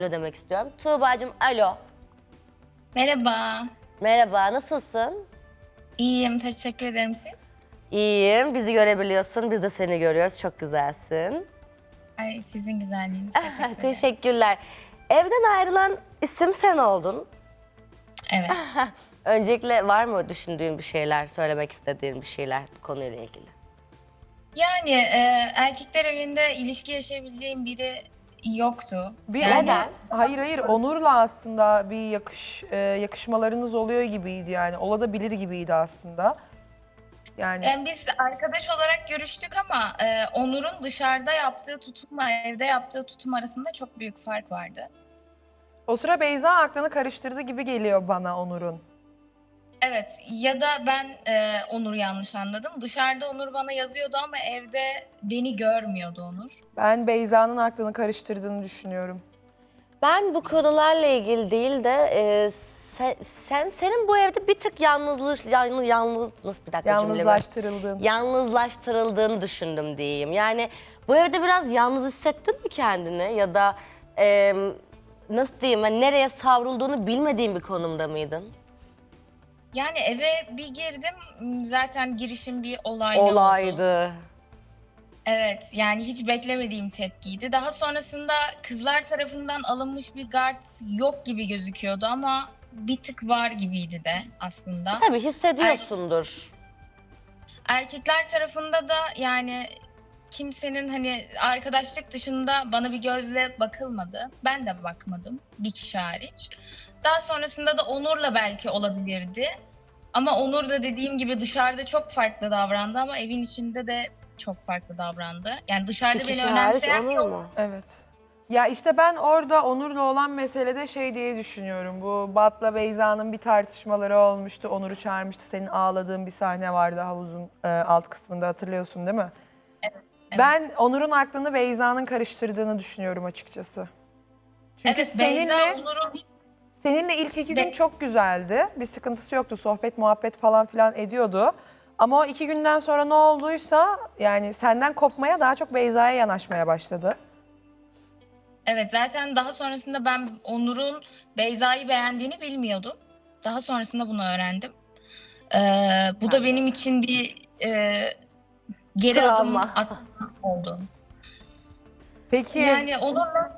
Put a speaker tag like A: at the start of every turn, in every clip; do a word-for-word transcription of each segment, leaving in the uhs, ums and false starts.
A: demek istiyorum. Tuğba'cığım alo.
B: Merhaba.
A: Merhaba, nasılsın?
B: İyiyim, teşekkür ederim siz.
A: İyiyim, bizi görebiliyorsun, biz de seni görüyoruz. Çok güzelsin.
B: Ay sizin güzelliğiniz, teşekkür ederim.
A: Teşekkürler. Evden ayrılan isim sen oldun.
B: Evet.
A: Öncelikle var mı düşündüğün bir şeyler, söylemek istediğin bir şeyler bu konuyla ilgili?
B: Yani e, erkekler evinde ilişki yaşayabileceğim biri yoktu.
C: Bir
B: Yani
A: Neden?
C: Hayır hayır Onur'la aslında bir yakış e, yakışmalarınız oluyor gibiydi yani. Olabilir gibiydi aslında. Yani
B: yani biz arkadaş olarak görüştük ama e, Onur'un dışarıda yaptığı tutumla evde yaptığı tutum arasında çok büyük fark vardı.
C: o sıra Beyza aklını karıştırdı gibi geliyor bana Onur'un.
B: Evet, ya da ben e, Onur'u yanlış anladım. Dışarıda Onur bana yazıyordu ama evde beni görmüyordu Onur.
C: Ben Beyza'nın aklını karıştırdığını düşünüyorum.
A: Ben bu konularla ilgili değil de e, sen, sen senin bu evde bir tık yalnızlık yalnız yalnız nasıl bir dakika cümlemi?
C: Yalnızlaştırıldığın.
A: Yalnızlaştırıldığını düşündüm diyeyim. Yani bu evde biraz yalnız hissettin mi kendini ya da e, nasıl diyeyim hani nereye savrulduğunu bilmediğin bir konumda mıydın?
B: Yani eve bir girdim, zaten girişim bir olaylı oldu.
A: Olaydı.
B: Evet, yani hiç beklemediğim tepkiydi. Daha sonrasında kızlar tarafından alınmış bir gard yok gibi gözüküyordu ama bir tık var gibiydi de aslında.
A: Tabii hissediyorsundur.
B: Erkekler tarafında da yani kimsenin hani arkadaşlık dışında bana bir gözle bakılmadı. Ben de bakmadım, bir kişi hariç. Daha sonrasında da Onur'la belki olabilirdi. Ama Onur da dediğim gibi dışarıda çok farklı davrandı ama evin içinde de çok farklı davrandı. Yani dışarıda
A: Bir
B: beni
A: kişi hariç
B: önemseyen
A: olur
B: yok.
A: mu?
C: Evet. Ya işte ben orada Onur'la olan meselede şey diye düşünüyorum. Bu Bat'la Beyza'nın bir tartışmaları olmuştu. Onur'u çağırmıştı. Senin ağladığın bir sahne vardı havuzun e, alt kısmında, hatırlıyorsun değil mi?
B: Evet.
C: Ben Onur'un aklını Beyza'nın karıştırdığını düşünüyorum açıkçası. Çünkü
B: Evet,
C: seninle
B: Beyza Onur'un
C: seninle ilk iki
B: Be-
C: gün çok güzeldi. Bir sıkıntısı yoktu. Sohbet, muhabbet falan filan ediyordu. Ama o iki günden sonra ne olduysa yani senden kopmaya daha çok Beyza'ya yanaşmaya başladı.
B: evet, zaten daha sonrasında ben Onur'un Beyza'yı beğendiğini bilmiyordum. Daha sonrasında bunu öğrendim. Ee, bu da benim için bir e, geri
A: Travma.
B: adım atma oldu.
C: Peki
B: Yani Onur'la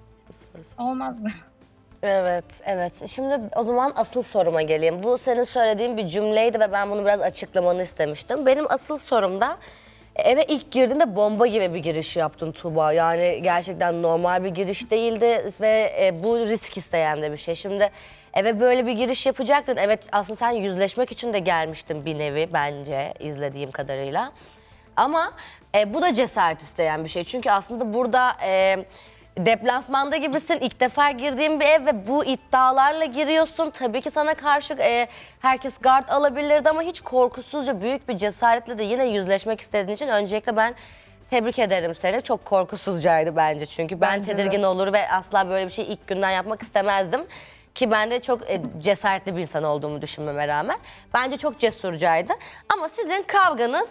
B: olmazdı.
A: Evet, evet. Şimdi o zaman asıl soruma geleyim. Bu senin söylediğin bir cümleydi ve ben bunu biraz açıklamanı istemiştim. Benim asıl sorum da eve ilk girdiğinde bomba gibi bir giriş yaptın Tuğba. Yani gerçekten normal bir giriş değildi ve e, bu risk isteyen de bir şey. Şimdi eve böyle bir giriş yapacaktın. Evet, aslında sen yüzleşmek için de gelmiştin bir nevi bence izlediğim kadarıyla. Ama e, bu da cesaret isteyen bir şey. Çünkü aslında burada e, deplasmanda gibisin. İlk defa girdiğin bir ev ve bu iddialarla giriyorsun. Tabii ki sana karşı e, herkes gard alabilirdi ama hiç korkusuzca büyük bir cesaretle de yine yüzleşmek istediğin için öncelikle ben tebrik ederim seni. Çok korkusuzcaydı bence çünkü ben
C: Bence de.
A: tedirgin olur ve asla böyle bir şey ilk günden yapmak istemezdim. Ki ben de çok e, cesaretli bir insan olduğumu düşünmeme rağmen. Bence çok cesurcaydı. Ama sizin kavganız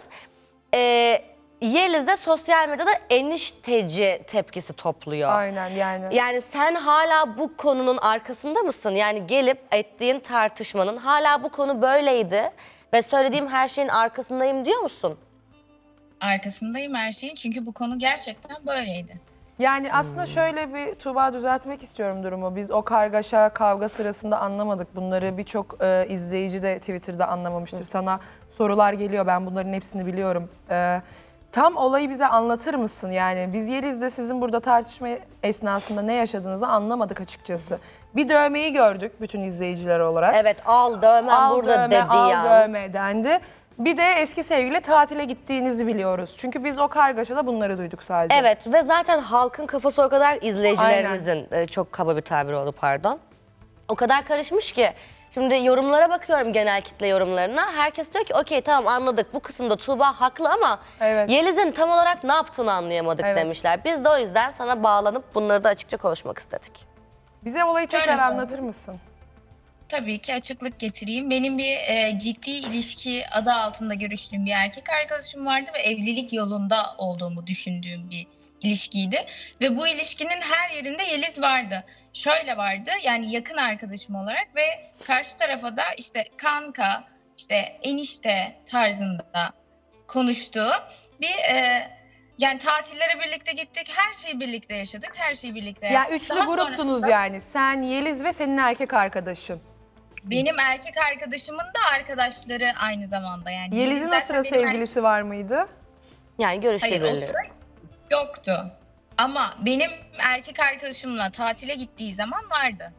A: e, Yeliz'e sosyal medyada enişteci tepkisi topluyor.
C: aynen yani.
A: Yani sen hala bu konunun arkasında mısın? Yani gelip ettiğin tartışmanın hala bu konu böyleydi ve söylediğim her şeyin arkasındayım diyor musun?
B: Arkasındayım her şeyin çünkü bu konu gerçekten böyleydi.
C: Yani aslında şöyle bir Tuğba düzeltmek istiyorum durumu. Biz o kargaşa, kavga sırasında anlamadık. Bunları birçok e, izleyici de Twitter'da anlamamıştır. Sana sorular geliyor, ben bunların hepsini biliyorum. E, tam olayı bize anlatır mısın? Yani biz Yeliz'de sizin burada tartışma esnasında ne yaşadığınızı anlamadık açıkçası. Bir dövmeyi gördük bütün izleyiciler olarak.
A: Evet, al dövmen
C: Al
A: burada
C: dövme,
A: dedi
C: al
A: ya.
C: dövme dendi. Bir de eski sevgili tatile gittiğinizi biliyoruz. Çünkü biz o kargaşada bunları duyduk sadece.
A: Evet ve zaten halkın kafası o kadar izleyicilerimizin e, çok kaba bir tabir oldu pardon. O kadar karışmış ki. Şimdi yorumlara bakıyorum, genel kitle yorumlarına. Herkes diyor ki okey tamam anladık bu kısımda Tuğba haklı ama
C: Evet.
A: Yeliz'in tam olarak ne yaptığını anlayamadık
C: Evet.
A: demişler. Biz de o yüzden sana bağlanıp bunları da açıkça konuşmak istedik.
C: Bize olayı
B: Şöyle
C: tekrar
B: söyleyeyim.
C: anlatır mısın?
B: Tabii ki açıklık getireyim. Benim bir e, ciddi ilişki adı altında görüştüğüm bir erkek arkadaşım vardı ve evlilik yolunda olduğumu düşündüğüm bir ilişkiydi. Ve bu ilişkinin her yerinde Yeliz vardı. Şöyle vardı, yani yakın arkadaşım olarak ve karşı tarafa da işte kanka, işte enişte tarzında konuştuğu bir e, yani tatillere birlikte gittik, her şeyi birlikte yaşadık, her şeyi birlikte
C: Ya
B: yaptık.
C: üçlü
B: Daha
C: gruptunuz
B: sonrasında
C: yani. Sen, Yeliz ve senin erkek arkadaşın.
B: benim erkek arkadaşımın da arkadaşları aynı zamanda yani.
C: Yeliz'in
B: Yeliz
C: o
B: zaten
C: sıra
B: benim
C: sevgilisi var mıydı?
A: Yani görüşte
B: Hayır, o
A: birileri.
B: sıra yoktu. Ama benim erkek arkadaşımla tatile gittiği zaman vardı.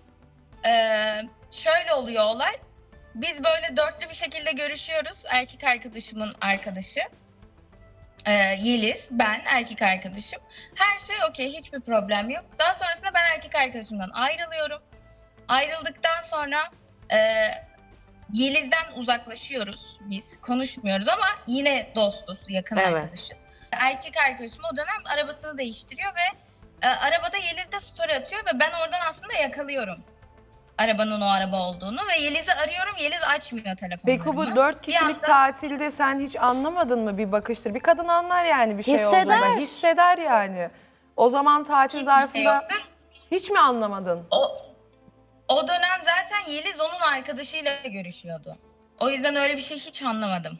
B: Ee, şöyle oluyor olay. Biz böyle dörtlü bir şekilde görüşüyoruz. Erkek arkadaşımın arkadaşı. Ee, Yeliz, ben, erkek arkadaşım. Her şey okey, hiçbir problem yok. Daha sonrasında ben erkek arkadaşımdan ayrılıyorum. Ayrıldıktan sonra e, Yeliz'den uzaklaşıyoruz biz. Konuşmuyoruz ama yine dostuz, yakın
A: Evet.
B: arkadaşız. Erkek arkadaşım o dönem arabasını değiştiriyor ve e, arabada Yeliz de story atıyor ve ben oradan aslında yakalıyorum arabanın o araba olduğunu ve Yeliz'i arıyorum. Yeliz açmıyor telefonlarımı.
C: Peki bu dört
B: Bir
C: kişilik
B: anda-
C: tatilde sen hiç anlamadın mı bir bakıştır? Bir kadın anlar yani bir şey
A: Hisseder.
C: olduğunda. Hisseder yani. O zaman tatil
B: Hiçbir şey
C: zarfında
B: yoktu.
C: hiç mi anlamadın?
B: O, o dönem zaten Yeliz onun arkadaşıyla görüşüyordu. O yüzden öyle bir şey hiç anlamadım.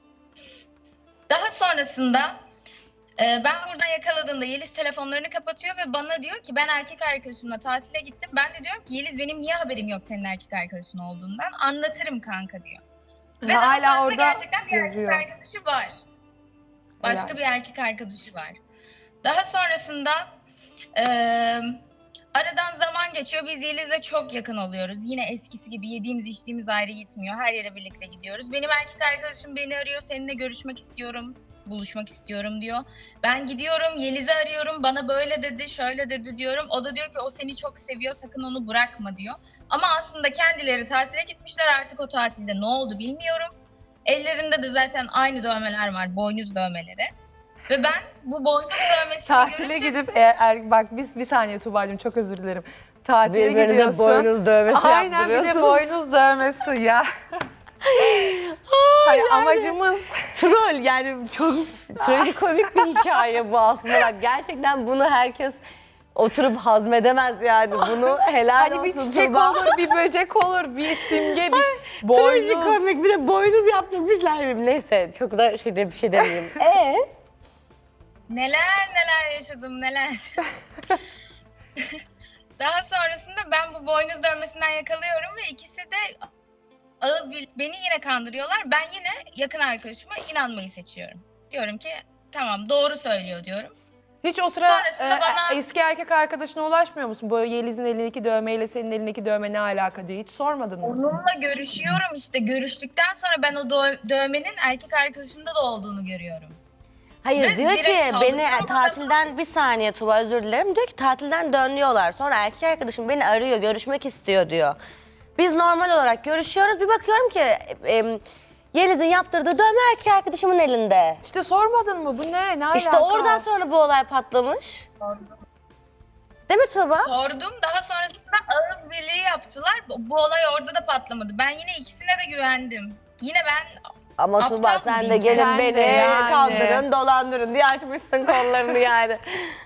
B: Daha sonrasında e, ben buradan yakaladığımda Yeliz telefonlarını kapatıyor ve bana diyor ki ben erkek arkadaşımla tatile gittim. Ben de diyorum ki Yeliz benim niye haberim yok senin erkek arkadaşın olduğundan? Anlatırım kanka diyor. Ve daha
C: Hala
B: sonrasında
C: orada
B: gerçekten bir
C: yazıyor.
B: erkek arkadaşı var. Başka
C: Helal.
B: bir erkek arkadaşı var. Daha sonrasında eee, aradan zaman geçiyor. Biz Yeliz'le çok yakın oluyoruz. Yine eskisi gibi yediğimiz içtiğimiz ayrı gitmiyor. Her yere birlikte gidiyoruz. Benim erkek arkadaşım beni arıyor. Seninle görüşmek istiyorum. Buluşmak istiyorum diyor. Ben gidiyorum Yeliz'i arıyorum. Bana böyle dedi, şöyle dedi diyorum. O da diyor ki o seni çok seviyor. Sakın onu bırakma diyor. Ama aslında kendileri tatile gitmişler. Artık o tatilde ne oldu bilmiyorum. Ellerinde de zaten aynı dövmeler var. Boynuz dövmeleri. Ve ben bu boynuz dövmesini
C: tatile
B: görünce
C: gidip eğer, er- bak biz bir saniye Tuğba'cığım çok özür dilerim. Tatile
A: Birbirinize
C: gidiyorsun.
A: boynuz dövmesi
C: Aynen bir de
A: yaptırıyorsunuz.
C: boynuz dövmesi ya. Hani amacımız
A: Troll yani çok trajikomik bir hikaye bu aslında. Bak gerçekten bunu herkes oturup hazmedemez yani. Bunu helal
C: hani
A: olsun
C: bir çiçek
A: Tuğba.
C: olur, bir böcek olur, bir simge, bir boynuz.
A: Trajikomik bir de boynuz yaptırmışlar. Neyse çok da şey de bir şey demeyeyim. Ee?
B: neler neler yaşadım neler. Daha sonrasında ben bu boynuz dövmesinden yakalıyorum ve ikisi de ağız bil- beni yine kandırıyorlar. Ben yine yakın arkadaşıma inanmayı seçiyorum. Diyorum ki tamam doğru söylüyor diyorum.
C: Hiç o sıra
B: Sonrasında
C: e,
B: bana-
C: eski erkek arkadaşına ulaşmıyor musun? Bu Yeliz'in elindeki dövmeyle senin elindeki dövme ne alaka diye hiç sormadın mı?
B: Onunla görüşüyorum işte. Görüştükten sonra ben o dö- dövmenin erkek arkadaşımda da olduğunu görüyorum.
A: Hayır
B: Ve
A: diyor
B: direkt
A: ki
B: saldırıyorum
A: beni
B: adama.
A: tatilden bir saniye Tuba özür dilerim diyor ki tatilden dönüyorlar. Sonra erkek arkadaşım beni arıyor görüşmek istiyor diyor. Biz normal olarak görüşüyoruz bir bakıyorum ki e, Yeliz'in yaptırdığı dövme erkek arkadaşımın elinde.
C: İşte sormadın mı? Bu ne? Ne alaka?
A: İşte oradan sonra bu olay patlamış. Değil mi Tuba?
B: Sordum. Daha sonrasında ağız birliği yaptılar. Bu, bu olay orada da patlamadı. Ben yine ikisine de güvendim. Yine ben
A: Ama
B: Aptal
A: Tuba sen de
B: mıyım?
A: gelin
C: Sen de
A: beni
C: yani.
A: kandırın dolandırın diye açmışsın kollarını yani.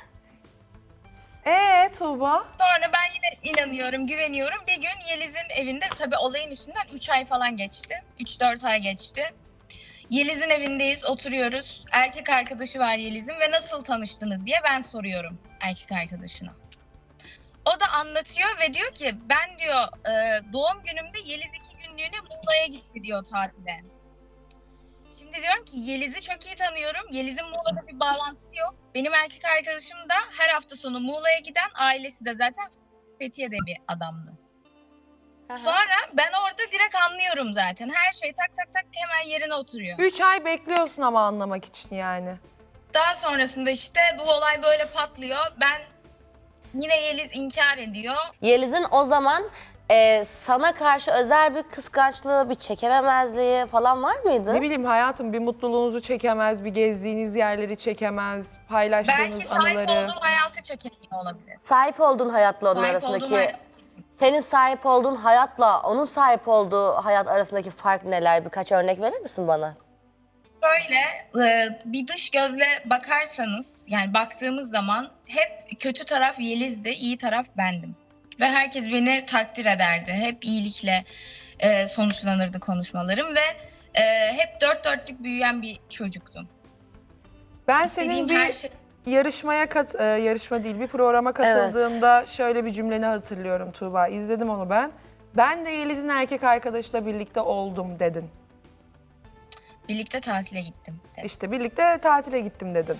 C: Ee Tuğba?
B: sonra ben yine inanıyorum, güveniyorum. Bir gün Yeliz'in evinde tabii olayın üstünden üç ay falan geçti. üç dört ay geçti. Yeliz'in evindeyiz, oturuyoruz. Erkek arkadaşı var Yeliz'in ve nasıl tanıştınız diye ben soruyorum erkek arkadaşına. O da anlatıyor ve diyor ki ben diyor e, doğum günümde Yeliz iki günlüğüne Muğla'ya gitti diyor tatile. Şimdi diyorum ki Yeliz'i çok iyi tanıyorum. Yeliz'in Muğla'da bir bağlantısı yok. Benim erkek arkadaşım da her hafta sonu Muğla'ya giden, ailesi de zaten Fethiye'de bir adamdı. Sonra ben orada direkt anlıyorum zaten. Her şey tak tak tak hemen yerine oturuyor.
C: Üç ay bekliyorsun ama anlamak için yani.
B: Daha sonrasında işte bu olay böyle patlıyor. Ben yine Yeliz inkar ediyor.
A: Yeliz'in o zaman e, sana karşı özel bir kıskançlığı, bir çekememezliği falan var mıydı?
C: Ne bileyim hayatım bir mutluluğunuzu çekemez, bir gezdiğiniz yerleri çekemez, paylaştığınız
B: Belki sahip
C: anıları.
B: olduğum hayatı çekemiyor olabilir.
A: Sahip olduğun hayatla onun
B: Sahip
A: arasındaki,
B: olduğum hayat-
A: senin sahip olduğun hayatla onun sahip olduğu hayat arasındaki fark neler? Birkaç örnek verir misin bana?
B: Şöyle e, bir dış gözle bakarsanız yani baktığımız zaman hep kötü taraf Yeliz'di, iyi taraf bendim. Ve herkes beni takdir ederdi. Hep iyilikle e, sonuçlanırdı konuşmalarım ve e, hep dört dörtlük büyüyen bir çocuktum.
C: Ben
B: İstediğim
C: senin
B: her
C: bir
B: şey...
C: yarışmaya kat e, yarışma değil bir programa katıldığında şöyle bir cümleni hatırlıyorum Tuğba. İzledim onu ben. Ben de Yeliz'in erkek arkadaşıyla birlikte oldum dedin.
B: Birlikte tatile gittim. dedim.
C: İşte birlikte tatile gittim dedin.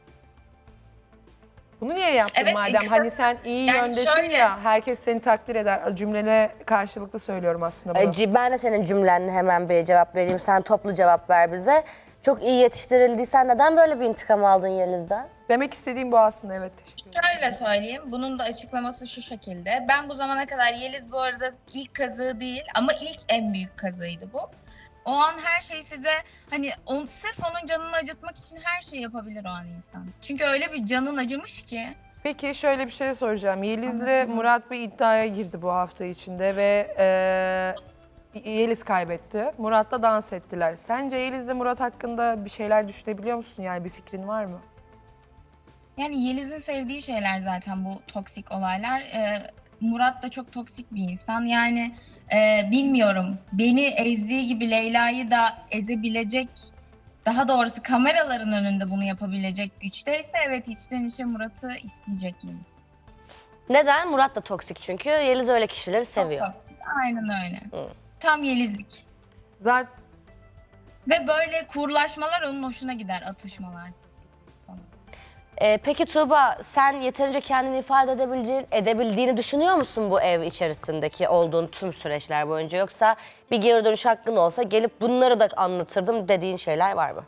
C: Bunu niye yaptın
B: Evet,
C: madem?
B: kısa-
C: Hani sen iyi
B: Yani
C: yöndesin
B: şöyle-
C: ya, herkes seni takdir eder. Cümlene karşılıklı söylüyorum aslında bunu.
A: Ee, Ben de senin cümlenle hemen bir cevap vereyim. Sen toplu cevap ver bize. Çok iyi yetiştirildiysen neden böyle bir intikam aldın Yeliz'den?
C: Demek istediğim bu aslında, evet. Teşekkür ederim.
B: Şöyle söyleyeyim, bunun da açıklaması şu şekilde. Ben bu zamana kadar Yeliz bu arada ilk kazığı değil ama ilk en büyük kazığıydı bu. O an her şey size hani on, sırf onun canını acıtmak için her şeyi yapabilir o an insan. Çünkü öyle bir canın acımış ki.
C: Peki şöyle bir şey soracağım. Yeliz'le Murat bir iddiaya girdi bu hafta içinde ve e, Yeliz kaybetti. Murat'la dans ettiler. Sence Yeliz'le Murat hakkında bir şeyler düşünebiliyor musun? Yani bir fikrin var mı?
B: Yani Yeliz'in sevdiği şeyler zaten bu toksik olaylar. Ee, Murat da çok toksik bir insan. Yani e, bilmiyorum beni ezdiği gibi Leyla'yı da ezebilecek, daha doğrusu kameraların önünde bunu yapabilecek güçteyse evet içten içe Murat'ı isteyecek Yeliz.
A: Neden? Murat da toksik çünkü. Yeliz öyle kişileri seviyor.
B: Çok toksik. Aynen öyle.
A: Hı.
B: Tam Yelizlik.
C: Zaten
B: Ve böyle kurlaşmalar onun hoşuna gider, atışmalar.
A: Ee, peki Tuğba, sen yeterince kendini ifade edebileceğin, edebildiğini düşünüyor musun bu ev içerisindeki olduğun tüm süreçler boyunca? Yoksa bir geri dönüş hakkın olsa gelip bunları da anlatırdım dediğin şeyler var mı?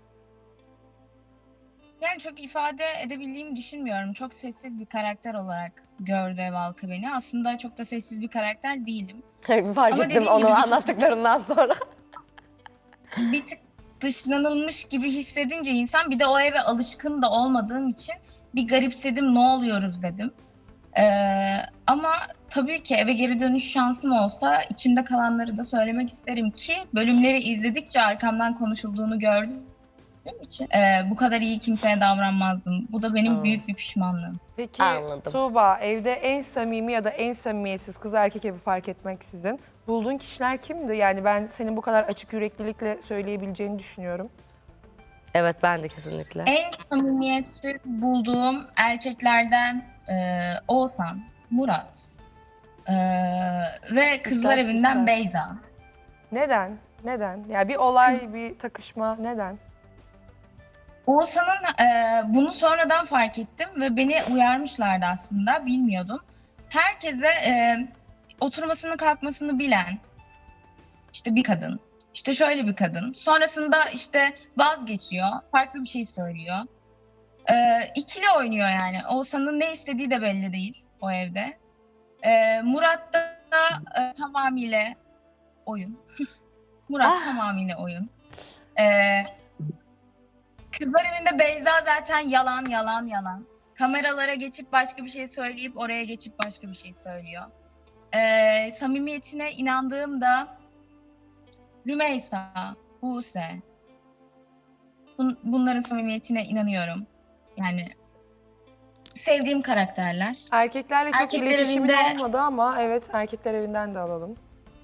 B: Yani çok ifade edebildiğimi düşünmüyorum. Çok sessiz bir karakter olarak gördü ev halkı beni. Aslında çok da sessiz bir karakter değilim.
A: Fark
B: Ama
A: ettim
B: dediğim
A: onu
B: gibi bir-
A: anlattıklarından sonra.
B: Bir tık dışlanılmış gibi hissedince insan, bir de o eve alışkın da olmadığım için bir garipsedim, ne oluyoruz dedim. Ee, ama tabii ki eve geri dönüş şansım olsa içimde kalanları da söylemek isterim ki bölümleri izledikçe arkamdan konuşulduğunu gördüğüm için e, bu kadar iyi kimseye davranmazdım. Bu da benim
A: Aa.
B: büyük bir pişmanlığım.
C: peki
A: Anladım.
C: Tuğba, evde en samimi ya da en samimiyetsiz, kız erkek evi fark etmeksizin bulduğun kişiler kimdi? Yani ben senin bu kadar açık yüreklilikle söyleyebileceğini düşünüyorum.
A: Evet, ben de kesinlikle.
B: En samimiyetsiz bulduğum erkeklerden e, Oğuzhan, Murat e, ve Kızlar
C: Süper,
B: Evi'nden
C: süper.
B: Beyza.
C: Neden? Neden? Yani bir olay, bir takışma neden?
B: Oğuzhan'ın e, bunu sonradan fark ettim ve beni uyarmışlardı aslında, bilmiyordum. Herkese e, oturmasını kalkmasını bilen işte bir kadın, işte şöyle bir kadın. Sonrasında işte vazgeçiyor, farklı bir şey söylüyor. E, ikili oynuyor yani. Oğuzhan'ın ne istediği de belli değil o evde. E, Murat da e, tamamıyla oyun. Murat
A: Ah.
B: tamamıyla oyun. E, Kızlar Evi'nde Beyza zaten yalan yalan yalan. Kameralara geçip başka bir şey söyleyip oraya geçip başka bir şey söylüyor. Ee, samimiyetine inandığımda Rümeysa, Buse. Bun- bunların samimiyetine inanıyorum. Yani sevdiğim karakterler.
C: Erkeklerle çok
B: Erkekler
C: iletişimin
B: evinde-
C: olmadı ama evet, erkekler evinden de alalım.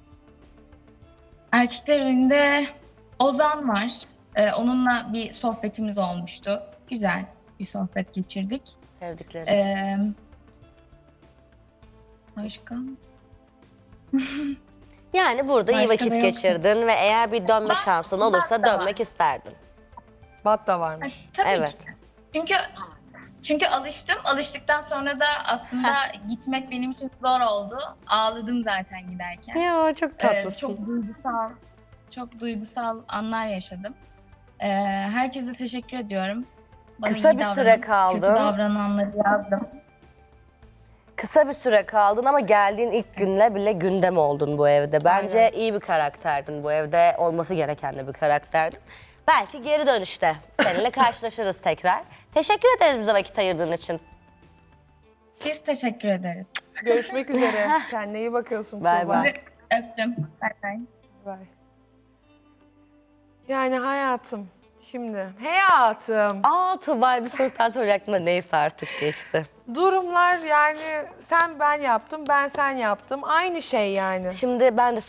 B: Erkekler Evi'nde Ozan var. Ee, onunla bir sohbetimiz olmuştu. Güzel bir sohbet geçirdik.
A: Sevdiklerim.
B: Ee, başka?
A: Yani burada iyi
B: Başka
A: vakit
B: da yoksa.
A: geçirdin ve eğer bir dönme
B: Bak-
A: şansın
B: bak
A: olursa
B: da var.
A: dönmek isterdin.
C: Bat da varmış.
B: Tabii
A: Evet.
B: ki. Çünkü çünkü alıştım. Alıştıktan sonra da aslında gitmek benim için zor oldu. Ağladım zaten giderken.
A: Ya çok
B: Ee, çok duygusal, çok duygusal anlar yaşadım. Ee, herkese teşekkür ediyorum. Bana
A: Kısa
B: iyi
A: bir
B: davranan,
A: süre kaldı.
B: Kötü davrananları yazdım.
A: Kısa bir süre kaldın ama geldiğin ilk günle bile gündem oldun bu evde. Bence
C: Aynen.
A: iyi bir karakterdin bu evde. Olması gereken de bir karakterdin. Belki geri dönüşte seninle karşılaşırız tekrar. Teşekkür ederiz bize vakit ayırdığın için.
B: Biz teşekkür ederiz.
C: Görüşmek üzere. Kendine iyi bakıyorsun
A: Bay
C: Tuğba.
A: bay.
B: Öptüm. Bay bay.
C: Bay. Yani hayatım, Şimdi hayatım.
A: Aa Tuğba bir soru daha soracaktım da neyse artık geçti.
C: Durumlar yani sen ben yaptım, ben sen yaptım. Aynı şey yani.
A: Şimdi ben de